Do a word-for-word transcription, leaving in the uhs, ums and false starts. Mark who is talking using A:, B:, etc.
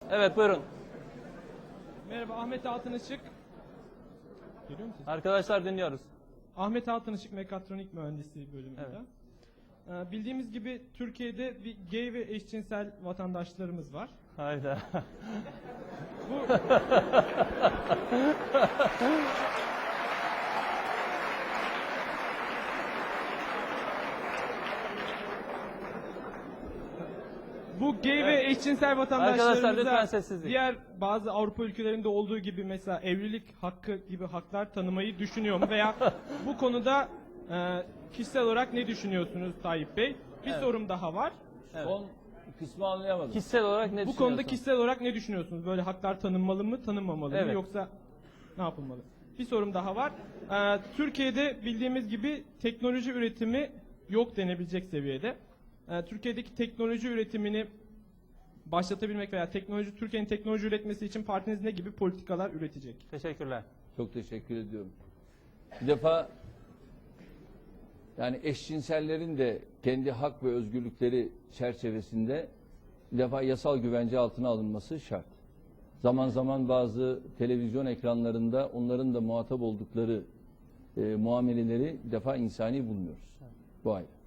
A: Evet, buyurun.
B: Merhaba, Ahmet Altınışık. Görüyor musunuz?
A: Arkadaşlar dinliyoruz.
B: Ahmet Altınışık Mekatronik Mühendisliği bölümünde.
A: Evet.
B: Ee, bildiğimiz gibi Türkiye'de bir gay ve eşcinsel vatandaşlarımız var.
A: Hayda.
B: Bu Bu gay ve eşcinsel
A: Arkadaşlar lütfen
B: vatandaşlarımıza
A: sessizlik.
B: diğer bazı Avrupa ülkelerinde olduğu gibi mesela evlilik hakkı gibi haklar tanımayı düşünüyor mu? Veya bu konuda e, kişisel olarak ne düşünüyorsunuz Tayyip Bey? Bir
A: Evet.
B: sorum daha var.
A: Evet.
C: Son kısmı anlayamadım.
A: Kişisel olarak ne
B: Bu
A: düşünüyorsun?
B: konuda kişisel olarak ne düşünüyorsunuz? Böyle haklar tanınmalı mı, tanınmamalı
A: Evet.
B: mı, yoksa ne yapılmalı? Bir sorum daha var. Ee, Türkiye'de bildiğimiz gibi teknoloji üretimi yok denebilecek seviyede. Ee, Türkiye'deki teknoloji üretimini başlatabilmek veya teknoloji Türkiye'nin teknoloji üretmesi için partiniz ne gibi politikalar üretecek?
A: Teşekkürler.
C: Çok teşekkür ediyorum. Bir defa yani eşcinsellerin de kendi hak ve özgürlükleri çerçevesinde bir defa yasal güvence altına alınması şart. Zaman zaman bazı televizyon ekranlarında onların da muhatap oldukları e, muameleleri bir defa insani bulmuyoruz. Bu ayrı.